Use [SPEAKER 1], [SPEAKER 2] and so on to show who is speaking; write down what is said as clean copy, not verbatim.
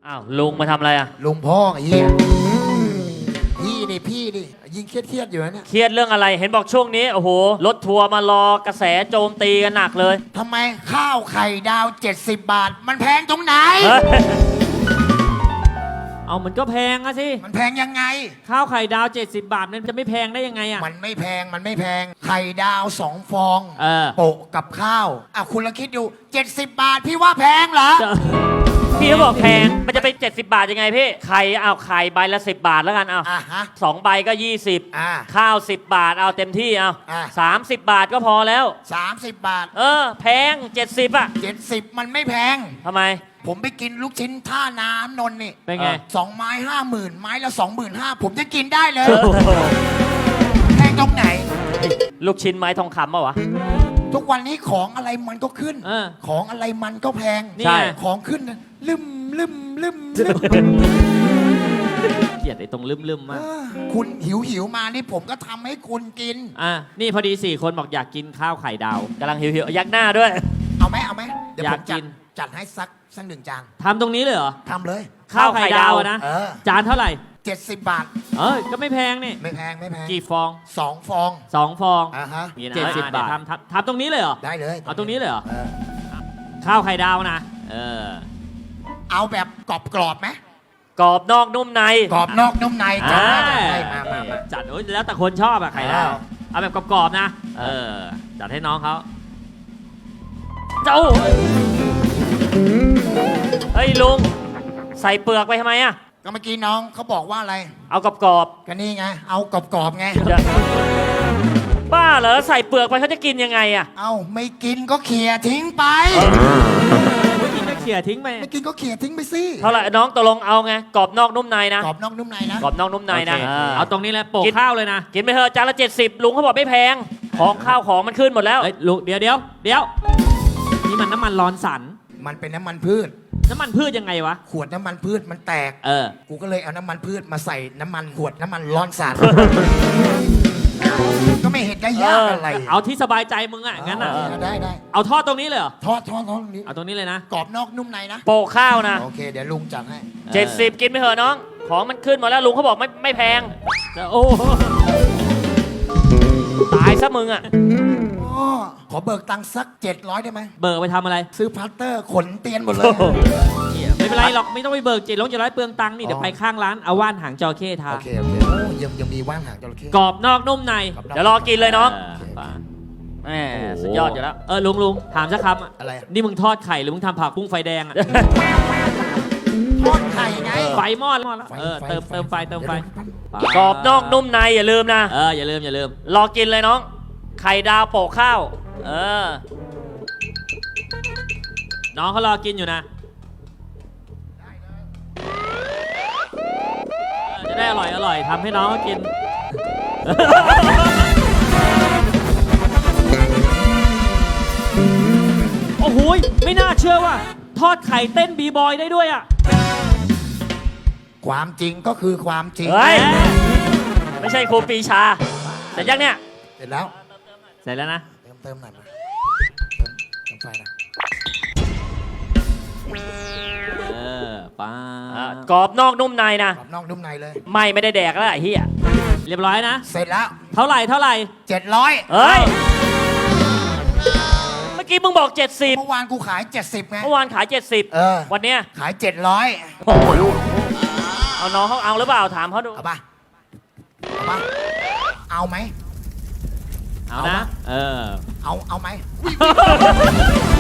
[SPEAKER 1] อ้าวลุงมาทำอะไรอ่ะ
[SPEAKER 2] ลุงพ่อไอ้เหี้ยพี่ดิยิงเครียดอยู่นะเนี่ย
[SPEAKER 1] เครียดเรื่องอะไรเห็นบอกช่วงนี้โอ้โหรถทัวร์มารอกระแสโจมตีกันหนักเลย
[SPEAKER 2] ทำไมข้าวไข่ดาว70 บาท มันแพงตรงไหน
[SPEAKER 1] เฮ้ย
[SPEAKER 3] เอามันก็แพงอะสิ
[SPEAKER 2] มันแพงยังไง
[SPEAKER 3] ข้าวไข่ดาว70 บาทมันจะไม่แพงได้ยังไงอะ
[SPEAKER 2] มันไม่แพงไข่ดาว2 ฟอง โปะกับข้าวคุณละคิดดู70 บาทพี่ว่าแพงเหรอ
[SPEAKER 1] พี่เขาบอกแพงมันจะเป็น70 บาทยังไงพี่ไข่เอาไข่ใบละ10 บาทแล้วกันเอา
[SPEAKER 2] ฮะ
[SPEAKER 1] 2 ใบก็20ข้าว10 บาทเอาเต็มที่เอา30 บาทก็พอแล้ว
[SPEAKER 2] 30 บาท
[SPEAKER 1] แพง70อ่ะ
[SPEAKER 2] 70มันไม่แพง
[SPEAKER 1] ทำไม
[SPEAKER 2] ผมไปกินลูกชิ้นท่าน้ำนนท์นี่
[SPEAKER 3] เป็นไง
[SPEAKER 2] 2 ไม้ 50,000 ไม้ละ 25,000ผมจะกินได้เลยแพงตรงไหน
[SPEAKER 1] ลูกชิ้นไม้ทองคำป่ะวะ
[SPEAKER 2] ทุกวันนี้ของอะไรมันก็ขึ้นของอะไรมันก็แพง
[SPEAKER 1] ใช่
[SPEAKER 2] ของขึ้นลืม
[SPEAKER 3] เกลียดไอ้ตรงลืมมาก
[SPEAKER 2] คุณหิวมานี่ผมก็ทำให้คุณกิน
[SPEAKER 3] นี่พอดี4 คนบอกอยากกินข้าวไข่ดาว
[SPEAKER 1] กำลังหิวยักหน้าด้วย
[SPEAKER 2] เอาไหมเดี๋ยวผมจัดให้สัก1 จาน
[SPEAKER 3] ทำตรงนี้เลยเหรอ
[SPEAKER 2] ทำเลย
[SPEAKER 3] ข้าวไข่ดาวนะจานเท่าไหร่
[SPEAKER 2] 70 บาท
[SPEAKER 3] ก็ไม่แพงนี่
[SPEAKER 2] ไม่แพง
[SPEAKER 3] กี่ฟอง
[SPEAKER 2] 2 ฟอง
[SPEAKER 3] 2 ฟอง70 บาททำตรงนี้เลยเหรอ
[SPEAKER 2] ได้เลย
[SPEAKER 3] เอาตรงนี้เลยเหรอข้าวไข่ดาวนะ
[SPEAKER 2] เอาแบบกรอบไหม
[SPEAKER 1] กรอบนอกนุ่มใน
[SPEAKER 2] กรอบนอกนุ่มในจัดให้มา
[SPEAKER 3] จัดแล้วแต่คนชอบอะไข่ดาวเอาแบบกรอบๆนะจัดให้น้องเขา
[SPEAKER 1] เจ้าเฮ้ยลุงใส่เปลือกไปทำไมอะ
[SPEAKER 2] ก็เมื่อกี้น้องเขาบอกว่าอะไร
[SPEAKER 1] เอากรอบ
[SPEAKER 2] ก็นี่ไงเอากรอบไง
[SPEAKER 1] บ้าเหรอใส่เปลือกไปเขาจะกินยังไงอะ
[SPEAKER 2] เอาไม่กินก็เขี่ยทิ้งไป
[SPEAKER 3] ไม่กินก็เขี่ยทิ้งไป
[SPEAKER 2] ไม่กินก็เขี่ยทิ้งไปสิ
[SPEAKER 1] เท่าไหร่น้องตกลงเอาไงกรอบนอกนุ่มในนะ
[SPEAKER 2] กรอบนอกนุ่มในนะ
[SPEAKER 1] กรอบนอกนุ่มในนะ
[SPEAKER 3] เอาตรงนี้แหละโปะข้าวเลยนะ
[SPEAKER 1] กินไปเถอะจานละ70ลุงเขาบอกไม่แพงของข้าวของมันขึ้นหมดแล้ว
[SPEAKER 3] ลุงเดี๋ยวนี่มันน้ำมันร้อนสัน
[SPEAKER 2] มันเป็นน้ำมันพืช
[SPEAKER 3] น้ำมันพืชยังไงวะ
[SPEAKER 2] ขวดน้ำมันพืชมันแตกกูก็เลยเอาน้ำมันพืชมาใส่น้ำมันขวดน้ำมันร้อนสันก็ไม่เห็นได้ยากอะไร
[SPEAKER 3] เอาที่สบายใจมึงอ่ะงั้นอ่ะ
[SPEAKER 2] ได้
[SPEAKER 3] เอาทอดตรงนี้เลยเหรอ
[SPEAKER 2] ทอดตรงนี้
[SPEAKER 3] เอาตรงนี้เลยนะ
[SPEAKER 2] กรอบนอกนุ่มในนะ
[SPEAKER 1] โปะข้าวนะ
[SPEAKER 2] โอเคเดี๋ยวลุงจัดให้
[SPEAKER 1] 70กินไปเถอะน้องของมันขึ้นหมดแล้วลุงเขาบอกไม่แพง
[SPEAKER 3] โอ้
[SPEAKER 1] ตายซะมึงอ่ะ
[SPEAKER 2] ขอเบิกตังค์สัก700ได้ไหม
[SPEAKER 3] เบิกไปทำอะไร
[SPEAKER 2] ซื้อพลาสเตอร์ขนเตียนหมดเลย
[SPEAKER 3] ไม่เป็นไรหรอกไม่ต้องไปเบิก700เปลืองตังค์นี่เดี๋ยวไปข้างร้านเอาว่านหางจระเข้ทา
[SPEAKER 2] โอเคยังมีว่านหางจระเข้
[SPEAKER 3] กรอบนอกนุ่มใน
[SPEAKER 1] เดี๋ยวรอกินเลยน้องแหมสุดยอดอยู่แล้ว
[SPEAKER 3] ลุงถามสักคำ
[SPEAKER 2] อะไร
[SPEAKER 3] นี่มึงทอดไข่หรือมึงทำผักกุ้งไฟแดงอะ
[SPEAKER 2] ทอดไข่ไง
[SPEAKER 3] ไฟมอดแล้วเติมไฟ
[SPEAKER 1] กรอบนอกนุ่มในอย่าลืมนะ
[SPEAKER 3] อย่าลืม
[SPEAKER 1] รอกินเลยน้องไข่ดาวโปะข้าว
[SPEAKER 3] น้องเขารอกินอยู่นะจะได้อร่อยทำให้น้องเขากินโอ้โหไม่น่าเชื่อว่าทอดไข่เต้นบีบอยได้ด้วยอ่ะ
[SPEAKER 2] ความจริงก็คือความจริง
[SPEAKER 1] ไม่ใช่ครูปีชาแต่ยังเนี่ย
[SPEAKER 2] เสร็จแล้ว
[SPEAKER 3] นะ
[SPEAKER 2] เติมหน่อยมาเติมไฟนะ
[SPEAKER 3] ป้
[SPEAKER 1] ากรอบนอกนุ่มในนะ
[SPEAKER 2] กรอบนอกนุ่มในเลย
[SPEAKER 1] ไม่ได้แดกแล้วไอ้เหี้ย
[SPEAKER 3] เรียบร้อยนะ
[SPEAKER 2] เสร็จแล้ว
[SPEAKER 3] เท่าไหร่
[SPEAKER 2] 700
[SPEAKER 1] เฮ้ยเมื่อกี้มึงบอก70
[SPEAKER 2] เมื่อวานกูขาย70ไง
[SPEAKER 1] เมื่อวานขาย70วันเนี้ย
[SPEAKER 2] ขาย700
[SPEAKER 1] เอาน้องเขาเอาหรือเปล่าถามเขาดู
[SPEAKER 2] เอาป่ะเอาไหม
[SPEAKER 3] เอานะ
[SPEAKER 2] เอาไหม